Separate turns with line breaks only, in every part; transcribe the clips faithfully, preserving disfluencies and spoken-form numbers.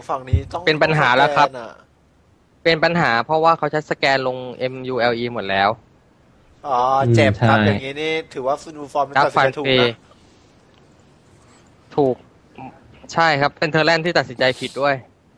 ฝั่งนี้ต้อง
เป็นปัญหาแล้วครับเป็นปัญหาเพราะว่าเขาใช้สแกนลง เอ็ม ยู แอล อี หมดแล้ว
อ๋อเจ็บครับอย่างนี้นี่ถือว่าซูฟอร์มตัดสินใจถูกนะ
ถูกใช่ครับเป็นเทอร์แลนด์ที่ตัดสินใจผิดด้วย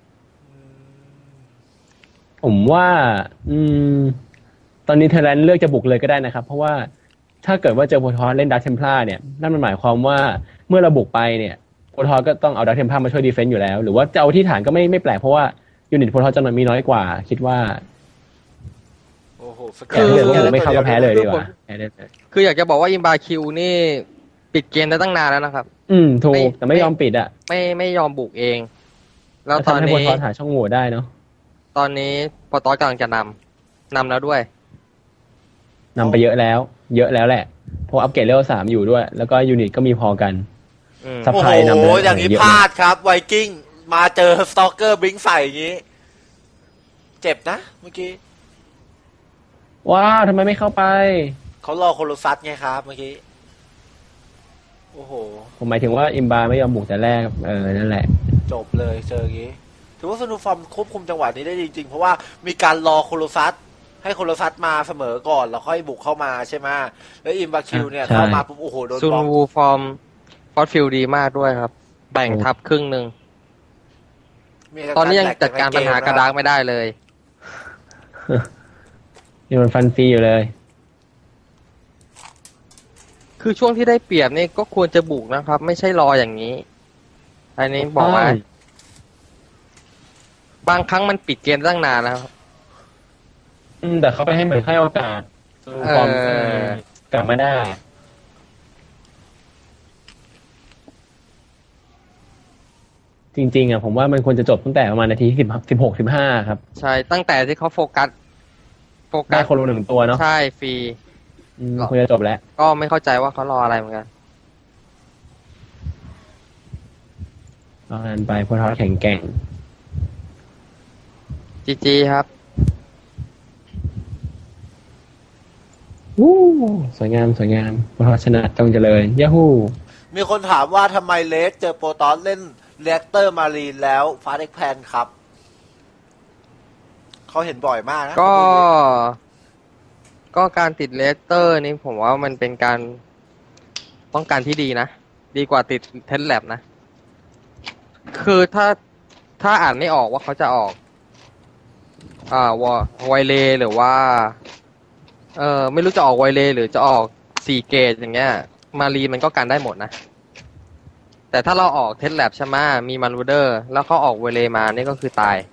ผมว่าอืมตอนนี้เทอร์แลนด์เลือกจะบุกเลยก็ได้นะครับเพราะว่าถ้าเกิดว่าเจอโพทอสเล่นดักเทมพลาเนี่ยนั่นมันหมายความว่าเมื่อเราบุกไปเนี่ยโพทอสก็ต้องเอาดักเทมพลามาช่วยดีเฟนต์อยู่แล้วหรือว่าจะเอาที่ฐานก็ไม่ไม่แปลกเพราะว่ายูนิตโพทอสจำนวนมีน้อยกว่าคิดว่า
โอ้โห
คือไม่เข้าก็แพ้เลยดีกว่า
คืออยากจะบอกว่าอิมบาคิวนี่ปิดเกมได้ตั้งนานแล้วนะครับ
อืมถูกแต่ไม่ยอมปิดอ่ะ
ไม่ไม่ยอมบุกเองแล้วตอนนี้
โพทอสหาช่องโหว่ได้เนาะ
ตอนนี้โพทอสกำลังจะนำนำแล้วด้วย
นำไปเยอะแล้วเยอะแล้วแหละเพราะอัปเกรดเลเวลสามอยู่ด้วยแล้วก็ยูนิตก็มีพอกัน
ซัพพลายนำโอ้อย่างนี้พลาดครับไวกิ้งมาเจอสตอกเกอร์บลิงใส่อย่างนี้เจ็บนะเมื่อกี้
ว้าทำไมไม่เข้าไป
เขารอโคโลซัสไงครับเมื่อกี้โอ้โห
ผมหมายถึงว่าอิมบาไม่ยอมบุกแต่แรกเออนั่นแหละ
จบเลยเจออย่างนี้ถือว่าสนูฟอร์มควบคุมจังหวะนี้ได้จริงๆเพราะว่ามีการรอโคโลซัสให้โคโลซัสมาเสมอก่อนแล้วค่อยบุกเข้ามาใช่ไหมแล้วอิมบาคิวเนี่ยเข้ามาปุ๊บโอ้โหโดนบล็อก
ซูนูฟอร์มฟอสฟิลดีมากด้วยครับแบ่งทับครึ่งหนึ่งตอนนี้ยังจัดการปัญหากระดาษไม่ได้เลย
ยังมันฟันฟรีอยู่เลย
คือช่วงที่ได้เปรียบนี่ก็ควรจะบุกนะครับไม่ใช่รออย่างนี้อันนี้บอกว่าบางครั้งมันปิดเกมตั้งนานแล้ว
อืมแต่เขาไปให้เหมือนให้โอกาสฟอร์มกลับมาได้จริงๆอ่ะผมว่ามันควรจะจบตั้งแต่ประมาณนาทีสิบสิบหกสิบห้าครับ
ใช่ตั้งแต่ที่เขาโฟกัส
โฟกัสได้คนละหนึ่งตัวเนาะ
ใช่ฟรี
ควรจะจบแล้ว
ก็ไม่เข้าใจว่าเขารออะไรเหมือนกัน
รอกันไปพวกเขาแข็งแกร่ง
จีจีครับ
วู้สวยงามสวยงามพวกเขาชนะจงเจริญยาฮู
มีคนถามว่าทำไมเลสเจอโปรตอนเล่นเรียกเตอร์มารีนแล้วฟาสเอ็กแพนครับเขาเห็นบ่อยมากนะ
ก็ก็การติดเลสเตอร์นี่ผมว่ามันเป็นการป้องกันที่ดีนะดีกว่าติดเทนแลบนะคือถ้าถ้าอ่านไม่ออกว่าเขาจะออกอ่าวอไวเลหรือว่าเออไม่รู้จะออกไวเลหรือจะออกสี่เกตอย่างเงี้ยมารีมันก็กันได้หมดนะแต่ถ้าเราออกเทสแลบใช่ไหมมีมารูเดอร์แล้วเขาออกเวเลมานี่ก็คือตาย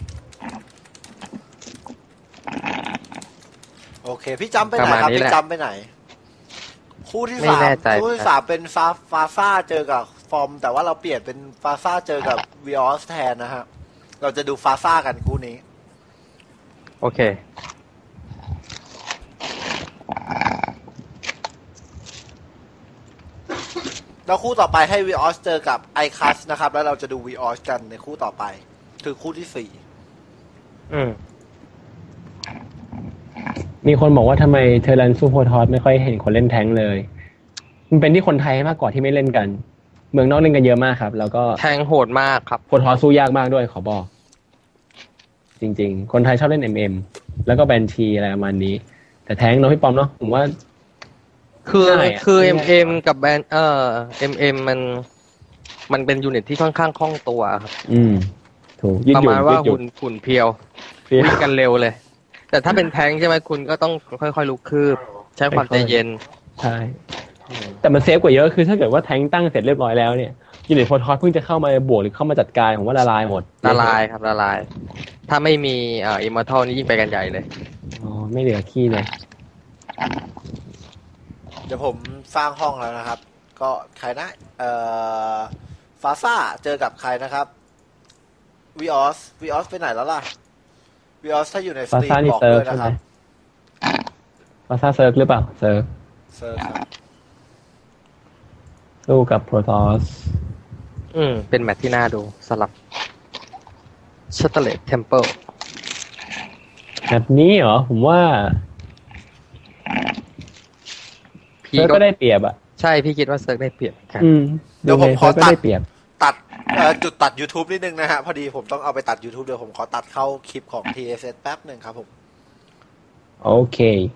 โอเคพี่จำไปไหนครับพี่จำไปไหนคู่ที่สามคู่ที่สามเป็นฟาฟาซ่าเจอกับฟอร์มแต่ว่าเราเปลี่ยนเป็นฟาซ่าเจอกับวีออสแทนนะฮะเราจะดูฟาซ่ากันคู่นี้
โอเค
แล้วคู่ต่อไปให้วีออสเจอกับไอคัสนะครับแล้วเราจะดูวีออสกันในคู่ต่อไปคือคู่ที่สี่
อืม
มีคนบอกว่าทำไมเทอร์แลนด์สู้โพทอสไม่ค่อยเห็นคนเล่นแท้งเลยมันเป็นที่คนไทยมากกว่าที่ไม่เล่นกันเมืองนอกเล่นกันเยอะมากครับแล้วก็
แทงโหดมากครับ
โพทอสสู้ยากมากด้วยขอบอกจริงๆคนไทยชอบเล่น เอ็ม เอ็ม แล้วก็แบนทีอะไรประมาณนี้แต่แท้งเนาะพี่ปอมเนาะผมว่า
คือคือ เอ็ม เอ็ม กับแบนเอ่อ เอ็ม เอ็ม มันมันเป็นยูนิตที่ค่อนข้างคล่องตัวครับ
อืมถูก
ประมาณว่าหุ่นหุ่นเพียววิ่งกันเร็วเลยแต่ถ้าเป็นแทงใช่ไหมคุณก็ต้องค่อยๆลุกคืบใช้ความใจเย็น
ใช่แต่มันเซฟกว่าเยอะคือถ้าเกิดว่าแทงตั้งเสร็จเรียบร้อยแล้วเนี่ยยูนิตโพทอสเพิ่งจะเข้ามาบวกหรือเข้ามาจัดการผมว่าละลายหมด
ละลายครับละลายถ้าไม่มีเอ่ออิมมอร์ทัลนี่ยิ่งไปกันใหญ่เลย
อ๋อไม่เหลือขี้เลย
เดี๋ยวผมสร้างห้องแล้วนะครับก็ใครนะเอ่อฟาซ่าเจอกับใครนะครับวีออสวีออสไปไหนแล้วล่ะวีออสถ้าอยู่ในสตรีมบอกด้วยนะครับ
ฟาซ่าเซิร์ฟหรือเปล่าเซิร์ฟ
เซิร์ฟครับ
สู้กับโปรตอส
อืมเป็นแมตช์ที่น่าดูสลับชัตเตอร์เลตเทมเพิล
แบบนี้เหรอผมว่าเซิร์ฟก็ได้เปรียบอ่ะ
ใช่พี่คิดว่าเซิร์ฟได้เปรียบกัน
เดี๋ยวผมขอตัดตัดเอ่อจุดตัด YouTube นิดนึงนะฮะพอดีผมต้องเอาไปตัด YouTube เดี๋ยวผมขอตัดเข้าคลิปของ ที เอส เอส แป๊บหนึ่งครับผม
โอเค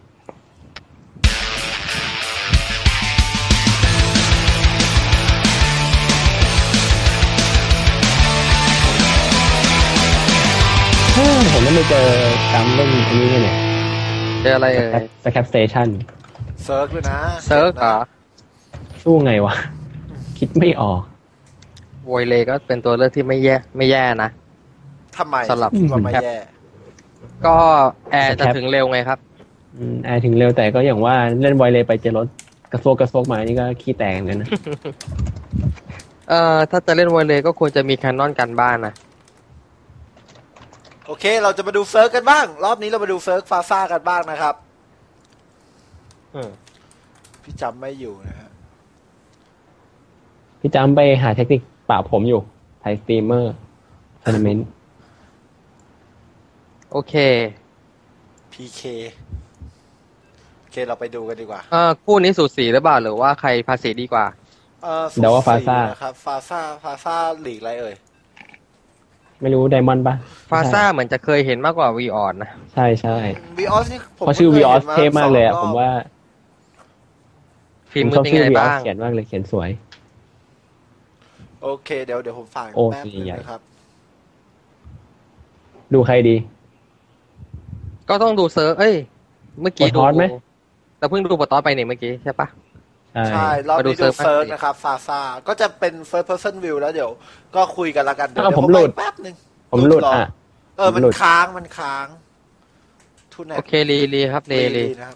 ผมไม่ไปเจอตามเล่นอันนี้เนี่ย
เจออะไรเอ่ย
สแคปสเตชัน
เซิร์ฟด้วยนะ
เซิร์ฟเหรอ
สู้ไงวะ คิดไม่ออก
โวยเลก็เป็นตัวเลือกที่ไม่แย่ไม่แย่นะ
ทำไม
สลับ
คิดว่าไม่แย่
ก็แอร์จะถึงเร็วไงครับ
อืมแอร์ถึงเร็วแต่ก็อย่างว่าเล่นไวเลย์ไปเจอรถกระโซกกระโซกมานี่ก็ขี้แตกเหมือนกันนะ
เอ่อถ้าจะเล่นโวยเลก็ควรจะมีแคนนอนกันบ้านนะ
โอเค เราจะมาดูเซิร์ฟกันบ้าง รอบนี้เรามาดูเซิร์ฟฟาซ่ากันบ้างนะครับ
อืม
พี่จำไม่อยู่นะฮะ
พี่จำไปหาเทคนิคปราบผมอยู่ไทยสตรีมเมอร์ทัวร์นาเมนต์
โอเค
พี เค โอเคเราไปดูกันดีกว่า
เอ่อคู่นี้สูสีหรือเปล่าหรือว่าใครภาษีดีกว่า
เออ
เดาว่าฟาซ่า
นะครับฟาซ่าฟาซ่าลีกอะไรเอ่ย
ไม่รู้ไดมอนด์ปะ
ฟาซ่าเหมือนจะเคยเห็นมากกว่าวีออนนะ
ใช่ใช่
วีออสนี่ผม
เพราะชื่อวีออส
พิ่งค
เท่
ยห็น
มากเลยอะ
สงรบ
ผมว่า
ฟิล์ม
ผม
มื
ช
อ
อบ
เป็น
ชื่อ
ไง
วีออส
บ้าง
เขียนมากเลยเขียนสวย
โอเคเดี๋ยวเดี๋ยวผมฝาก
โอ้
แป๊บนึง
ใหญ่
นะครับ
ดูใครดี
ก็ต้องดูเซิร์ฟเอ้ย เมื่อกี้
ป
ดู
ตอสไหม
แต่เพิ่งดูปตอสไปเนี่ยเมื่อกี้ใช่ปะ
ใช่
ใช่รอบ
มาดู
นี้
เซิ
ดู
ร์ฟ
เซิร์ฟ
บ้างสิ
นะครับฟาซ่าก็จะเป็น first person view แล้วเดี๋ยวก็คุยกันละกันเดี๋ยว
อ้าว
เดี๋ยว
ผมหลุด
ไปแป๊บนึง
ผมหลุด
เร
อ่ะ
เออมัน
หลุด
ค้างมันค้างทุนแน
โอเครีรีครับรีรี
นะครับ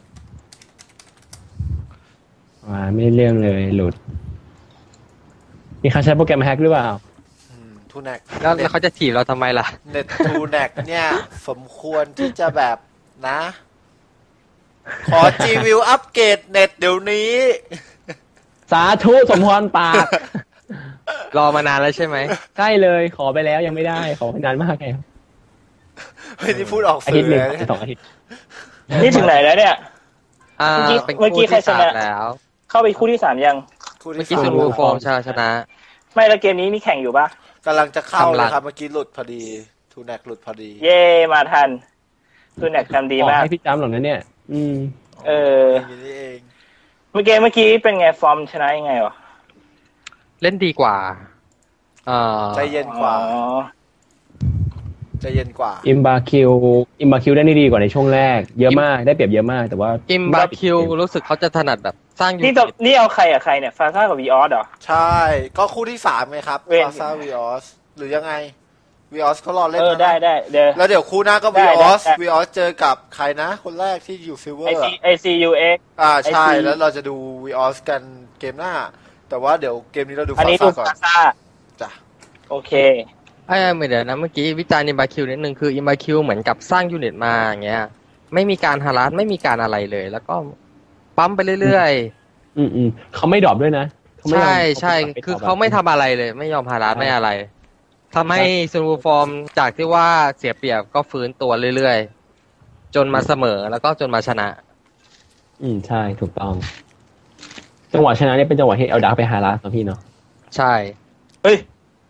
อ่าไม่ได้เรื่องเลยหลุด มีใครใช้โปรแกรมแฮกหรือเปล่า
ทูแนก
แล้วแล้วเขาจะถีบเราทำไมล่ะ
เน็ตทูแนกเนี่ย สมควรที่จะแบบนะ ขอ G View อัปเกรดเน็ตเดี๋ยวนี้
สาธุสมพรปาก
รอมานานแล้วใช่ไหม
ใช่เลยขอไปแล้วยังไม่ได้ ขอนานมากแล้ว
เฮ้ยนี่พูดออก
อา
สื่
ทิต
อ
ย์หนึ่ง
เลย
สองอาทิตย์
นี่ถึงไหนแล้วเนี่ย
อ่า
เมื่อกี้
เป็น
เมื่อกี้
คู่
ใคร
ที่
ช
สาม
นะ
แล้ว
เข้าไปคู่ที่สามยัง
คู่
เมื่อ
ที่
กี้
สา
ซู
ม
รูฟอร์มชาชนะ
ไม่แล้วเกมนี้มีแข่งอยู่ปะ
กำลังจะเข้า
ทำ
เล
รั
ย
ง
ครับเมื่อกี้หลุดพอดีทูแนกหลุดพอดี
เย่มาทันตัวแนกทำดี
ออก
มาก
ให้พี่จำหรอกนะเนี่ย อืม
เออ
อย่างนี้เอง
เมื่อกี้เมื่อกี้เป็นไงฟอร์มชนะยังไงวะ
เล่นดีกว่าเอ่อ
ใจเย็นกว่า
อ๋อ
ใจเย็นกว่า
อิมบาคิวอิมบาคิวได้นี่ดีกว่าในช่วงแรก เยอะมากได้เปรียบเยอะมากแต่ว่า
อิมบาคิวรู้สึกเขาจะถนัดแบบสร้างยู
นี่
นิ
ต่อ
ต
นี่เอาใครอะใครเนี่ยฟาซ่ากับวีออสเหรอ
ใช่ ก็คู่ที่สามไงครับ
เว้น
ฟาซ่าวีออสหรือยังไงวีออสเขารอเล่น
เออ
นะ
ได้ได้เดี๋ยว
แล้วเดี๋ยวคู่หน้าก็
ได้
วีออส
ได้
วีออสเจอกับใครนะ คนแรกที่อยู่ซิลเวอ
ไอ
ร์
ซีไอซียูเอ็ก
อ่าใช่
ไอซี
แล้วเราจะดูวีออสกันเกมหน้า แต่ว่าเดี๋ยวเกมนี้เราดู
อัน
ฟา
นี้
ซ่า
ดู
ก่อน
ฟาซ่า
จ้ะ
โอเค
ไอ้ไม่เดี๋ยวนะเมื่อกี้วิจารณ์อิมบาคิวนิดนึงคืออิมบาคิวเหมือนกับสร้างยูนิตมาอย่างเงี้ย ไม่มีการฮารัสไม่มีการอะไรเลย แล้วก็ปั๊มไปเรื่อย
อืมอืมเขาไม่ดรอปด้วยนะเขา
ๆ
ไม่ยอม
ใช่ใช่
เขา
คือ
ดรป
เขาไม่ทำอะไรเลย ไม่ยอมฮารัสไม่อะไรทำให้ซูรูฟอร์มจากที่ว่าเสียเปรียบก็ฟื้นตัวเรื่อยๆ จนมาเสมอแล้วก็จนมาชนะ
อืมใช่ถูกต้อง จังหวะชนะเนี่ยเป็นจังหวะที่เอาดาร์กไปหาลาสเนาะพี่เนาะ
ใช่
เฮ้ย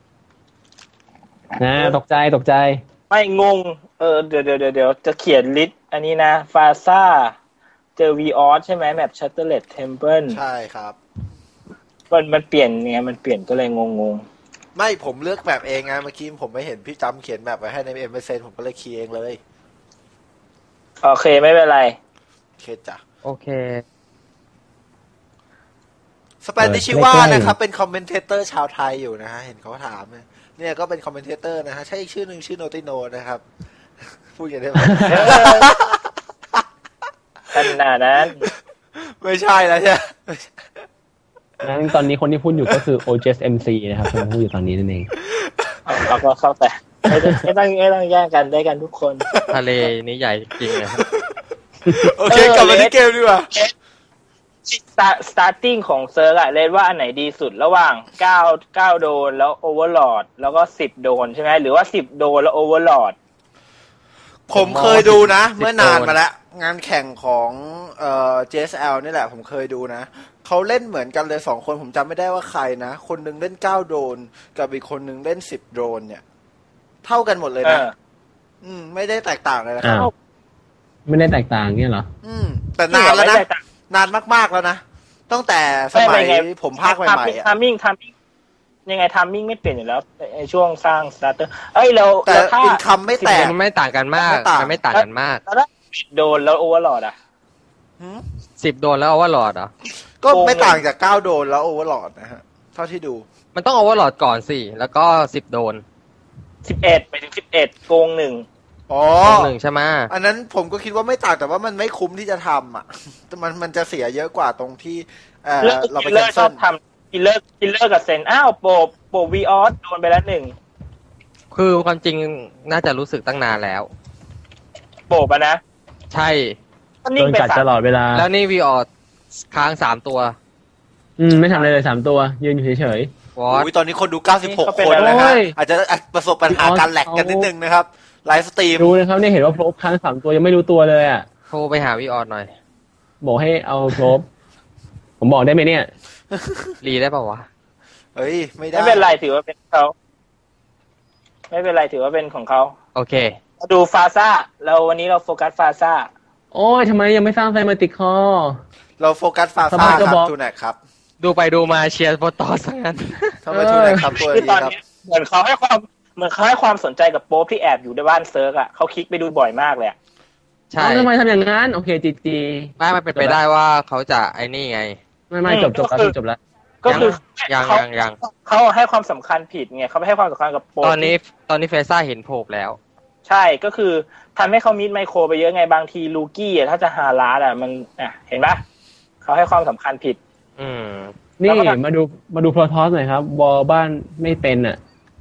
นะตกใจตกใจ
ไม่งง เออเดี๋ยวเดี๋ยวเดี๋ยวเดี๋ยวจะเขียนลิสต์อันนี้นะฟาซ่าเจอวีออสใช่ไหมแมปชัตเตอร์เลตเทมเพิล
ใช่ครับ
มันมันเปลี่ยนไงมันเปลี่ยนก็เลยงงง
ไม่ผมเลือกแบบเองไงเมื่อกี้ผมไม่เห็นพี่จำเขียนแบบไว้ให้ในเอ็มเอเซนผมก็เลยคีย์เองเลย
ๆโอเคไม่เป็นไร
โอเคจ้ะ
โอเค
สเปนดิชิว่านะครับ เป็นคอมเมนเทเตอร์ชาวไทยอยู่นะฮะ เห็นเขาถามเนี่ยเนี่ยก็เป็นคอมเมนเทเตอร์นะฮะ ใช่อีกชื่อหนึ่งชื่อโนติโนนะครับ พูดอย่างนี้ได้ไหม
ขนาดนั้น
ไม่ใช่แล้วใช่ไหม
งั้นตอนนี้คนที่พูดอยู่ก็คือ โอ เจ เอส เอ็ม ซี นะครับที่พูดอยู่ตอนนี้นั่นเอง
เอาเราก็เข้าแต่ไม่ต้องไม่ต้องไม่ต้องแย่งกันได้กันทุกคน
ทะเลนี้ใหญ่จริงเลยครับ
โอเคกลับมาที่เกมดีกว่า
สตาร์ติ้งของเซิร์กอะเลนว่าอันไหนดีสุดระหว่างเก้า เก้าโดนแล้วโอเวอร์ลอดแล้วก็สิบโดนใช่ไหมหรือว่าสิบโดนแล้วโอเวอร์ลอด
ผมเคยดูนะ เมื่อนานมาแล้ว งานแข่งของเอ่อ เจ เอส แอล นี่แหละผมเคยดูนะเขาเล่นเหมือนกันเลยสองคนผมจำไม่ได้ว่าใครนะคนหนึงเล่นเก้าโดรนกับอีกคนหนึงเล่นสิบโดรนเนี่ย เท่ากันหมดเลยนะ
เออ
อืม ไม่ได้แตกต่างเลยนะครับ
อ้าวไม่ได้แตกต่างเงี้ยเหรอ
อืม แต่นานแล้วนะ
ไม่ได้ต่าง
นานมากๆแล้วนะตั้งแต่สมัย
ไม่ไง
ผมภาคใหม่ๆอ่ะ
ทามมิ่งทามมิ่งยังไงทามมิ่งไม่เปลี่ยนอยู่แล้วในช่วงสร้างสตาร์เตอร์เอ้ยเรา
แต่
เราถ้า
อินคัมไม่แตก
มันไม่ต่างกันมาก
ไม่ต่าง
มันไม่ต่างกันมาก
แล้วถ้าโดนแล้วโอเวอร์โหลดอ่ะ
หืม
สิบโดนแล้วเอาว่าหลอดเหรอ
ก็ไม่ต่างจากเก้าโดรนแล้วโอเวอร์ลอดนะฮะเท่าที่ดู
มันต้องเอาว่าหลอดก่อนสิ แล้วก็สิบโดน
สิบเอ็ดไปถึงสิบเอ็ดโกงหนึ่ง
อ๋อ
หนึ่งใช่ไหม
อันนั้นผมก็คิดว่าไม่ต่างแต่ว่ามันไม่คุ้มที่จะทำอ่ะ มันมันจะเสียเยอะกว่าตรงที่เออ
เลิก
เราไป
คิลเล
แค
อน ร์ช
เซิ
อ
ล
บทำคิลเลอร์คิลเลอร์กับเซนอ้าวโปรโปรวีออสโดนไปแล้วหนึ่ง
คือความจริงน่าจะรู้สึกตั้งนานแล้ว
โปรปะนะ
ใช่
ก็
โด
นิ่ง
น
ไป
กัด
สา
ต
ม
ลอดเวลา
แล้วนี่วีออดค้างสามตัว
อืมไม่ทำอะไรเลยสามตัว ยืนอยู่เฉยว
อต
อุ้ยตอนนี้คนดูเก้าสิบหกคนนะฮะ
โอ้ย
อาจจะประสบปัญหาการแหลกกันนิดนึงนะครับไลฟ์สตรีม
ๆดูนะครับเนี่ยเห็นว่าโพลบค้างสามตัวยังไม่รู้ตัวเลยอ่ะ
โทรไปหาวีออดหน่อย
บอกให้เอาโพลบผมบอกได้ไหมเนี่ย
รีได้ป่าวะ
เฮ้ยไม่ได้
ไม่เป็นไรถือว่าเป็นเขาไม่เป็นไรถือว่าเป็นของเขา
โอเค
มาดูฟาซ่าเราวันนี้เราโฟกัสฟาซ่า
โอ้ยทำไมยังไม่สร้างไซมาติกคอ
เราโฟกัสฟา
ทำไม
ซ่า
ก็
ครับ
บอก
ทูแนกครับ
ดูไปดูมาเชียร์โปรตอสทั้งนั้น
ทำไมทูแนกครับตัว
คือ
นี้
ตอน
ครับ
นี้เหมือนเขาให้ความเหมือนเขาให้ความสนใจกับโป๊ปที่แอบอยู่ในบ้านเซิร์กอ่ะเขาคลิกไปดูบ่อยมากเลยอะ
ใช่
เอ้าทำไมทำอย่างนั้น โอเคจีจี
ไม่มันเป็นไปได้ว่าเขาจะไอ้นี่ไง
ไม่ไม่จบจบแล้วจบแล้ว
ก็คือ
ยัง
เขา
ยังยัง
เขาให้ความสำคัญผิดไงเขาไม่ให้ความสำคัญกับโป๊ป
ตอนนี้ตอนนี้เฟซ่าเห็นโผล่แล้ว
ใช่ก็คือทำให้เขามิดไมโครไปเยอะไงบางทีลูกี้อะถ้าจะหาล้าอ่ะมันอ่ะเห็นปะเขาให้ความสำคัญผิด
อืม
นี่
แล้วก็
มาดูมาดูโปรทอสหน่อยครับบอลบ้านไม่เป็นอ่ะ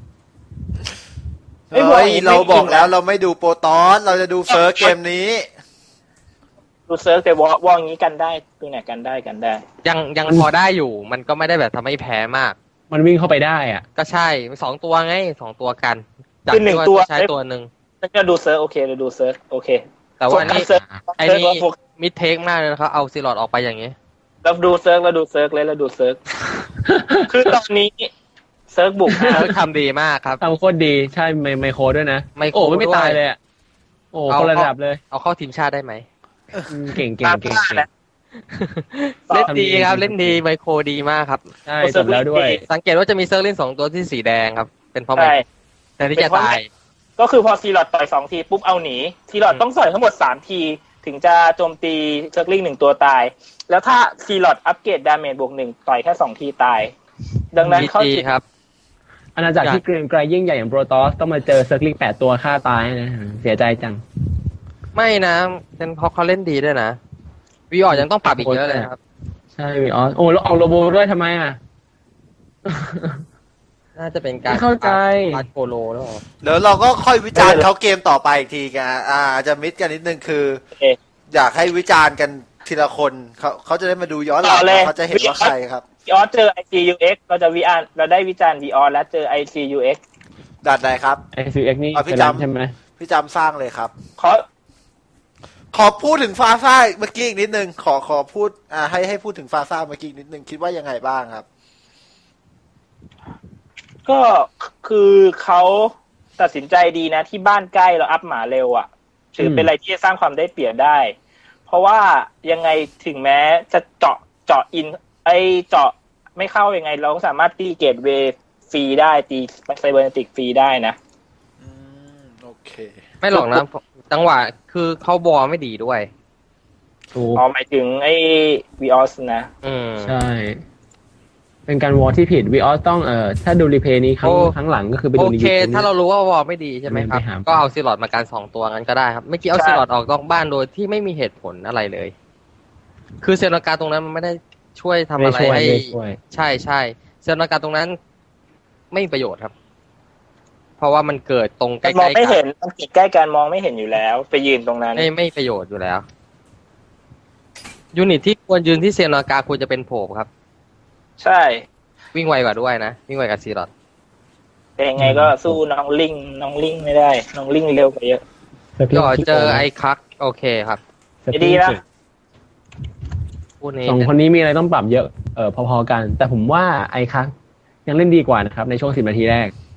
เฮ้ยเราบอกแล้วเราไม่ดูโปรตอสเราจะดูเฟิร์สเกมนี้
ดูเซิร์กแต่วอวออย่างนี้กันได้ตัวไหนกันได้กันได้
ยังยังพอได้อยู่ มันก็ไม่ได้แบบทำให้แพ้มาก
มันวิ่งเข้าไปได้อ่ะ
ก็ใช่สองตัวไงสองตัวกันจาก
คือหนึ่ง
ที่า
ตัว
ใช้ตัวหนึ่ง
ถ้าจะดูเซิร์กโอเคเราดูเซิร์กโอเค
แต่ว่านี่
เซิร์ก
ไอ้
เซิร์ก
นี่
เราโฟกัส
มิดเทคมากเลยนะครับเอาซีลอดออกไปอย่างนี้
เราดูเซิร์กเราดูเซิร์กเลยเราดูเซิร์ก คือตอนนี้เซิร์กบุกนะ
เขาทำดีมากครับ
ทำโคตรดีใช่ไมไมโครด้วยนะ
ไมโคร
โอ้ไม่
ด้วย
ตายเลยอ่ะโอ้
เอา
คนระดับเลย
เอาเข้าทีมชาติได้ไหม
อืมเก่งเก่งเก่งเก่ง
เล่นดีครับเล่นดีไมโครดีมากครับ
ใช่จบแล้วด้วย
สังเกตว่าจะมีเซอร์ลินสองตัวที่สีแดงครับ เป็นเพราะไม
ใช่
แต่ที่จะตาย
ก็คือพอซีลอดต่อยสองทีปุ๊บเอาหนีซีลอดต้องต่อยทั้งหมดสามทีถึงจะโจมตีเซิร์กลิงหนึ่งตัวตาย แล้วถ้าซีลอดอัปเกรดดาเมจบวกหนึ่งต่อยแค่สองทีตาย ดังนั้นเขา
ดี
จิต
ครับ
อาณาจักรที่เกรียงไกรยิ่งใหญ่อย่างโปรตอสต้องมาเจอเซิร์กลิงแปดตัวฆ่าตายนะเสียใจจัง
ไม่นะเป็นเพราะเขาเล่นดีด้วยนะวีออดยังต้องปรับอีกเยอะเลยครับ
ใช่วีออสโอ้แล้วออกโลโบด้วยทำไมอ่ะ
น่าจะเป็นการ
ไม่เข้าใจ
ปาดโปโลแล้วเหรอ
เดี๋ยวเราก็ค่อยวิจารณ์เขาเกมต่อไปอีกทีกันอ่าอาจจะมิดกันนิดนึงคือ
เอ๊ะ
อยากให้วิจารณ์กันทีละคนเขาเขาจะได้มาดูย้อนหลัง
ต่อเลย
เขาจะเห็นว่าใครครับ
วีออสเจอ ไอ ซี ยู เอ็กซ์ เราจะวิจารณ์เราได้วิจารณ์วีออสแล้วเจอ ไอ ซี ยู เอ็กซ์
ดัดใดครับ
ไอซีเอ็กนี่
อ่ะพี่
เป็น
จำ
ใช่ไหม
พี่จำสร้างเลยครับ
ขอ
ขอพูดถึงฟาซ่าเมื่อกี้อีกนิดนึงขอขอพูดอ่าให้ให้พูดถึงฟาซ่าเมื่อกี้อีกนิดนึงคิดว่ายังไงบ้างครับ
ก็คือเขาตัดสินใจดีนะที่บ้านใกล้เราอัพหมาเร็วอ่ะถือเป็นอะไรที่จะสร้างความได้เปรียบได้ เพราะว่ายังไงถึงแม้จะเจาะเจาะอินไอเจาะไม่เข้ายังไง เราก็สามารถตีเกตเวย์ฟรีได้ตีไซเบอร์เนติกฟรีได้นะ
อืมโอเค
ไม่หรอกนะจังหวะคือเขาบอลไม่ดีด้วย
ถูก
อ๋อหมายถึงไอ้วีออสนะ
อืม
ใช่ เป็นการวอลที่ผิดวีออสต้องเอ่อถ้าดูรีเพลย์นี้ครั้ง
โอ้
ครั้งหลังก็คือไป
โอ
ดูใน
เค
ยูทูบ
ถ้าเรารู้ว่าวอลไม่ดีใช่ไหมครับ
ไปหา
ก็เอาซีลอดมาการสองตัวงั้นก็ได้ครับเมื่อกี้เอา
ใช่
ซีลอดออกนอกบ้านโดยที่ไม่มีเหตุผลอะไรเลย คือเซลนาการตรงนั้นมันไม่ได้ช่วยทำอะไร
ไม่ช่วย
ให้
ไม่ช่วย
ใช่ใช่เซลนาการตรงนั้นไม่มีประโยชน์ครับ เพราะว่ามันเกิดตรงใกล้
มอง
ๆ
ไม่
กั
เห็
น
นมันติดใกล้กันมองไม่เห็นอยู่แล้ว ไปยืนตรงนั้น
ไม่ไม่ประโยชน์อยู่แล้วยูนิตที่ควรยืนที่เซลนาการควรจะเป็นโผล่ครับ
ใช่
วิ่งไวกว่าด้วยนะวิ่งไวกว่าซีลอด
แต่ยังไงก็สู้น้องลิงน้องลิงไม่ได้ น้องลิงเร็วกว่าเยอะ
จ่อเจอไอ้คักโอเคครับ
ดีนะ
คู่นี้
สองคนนี้มีอะไรต้องปรับเยอะเออพอๆกัน แต่ผมว่าไอ้คักยังเล่นดีกว่านะครับในช่วงสิบนาทีแรก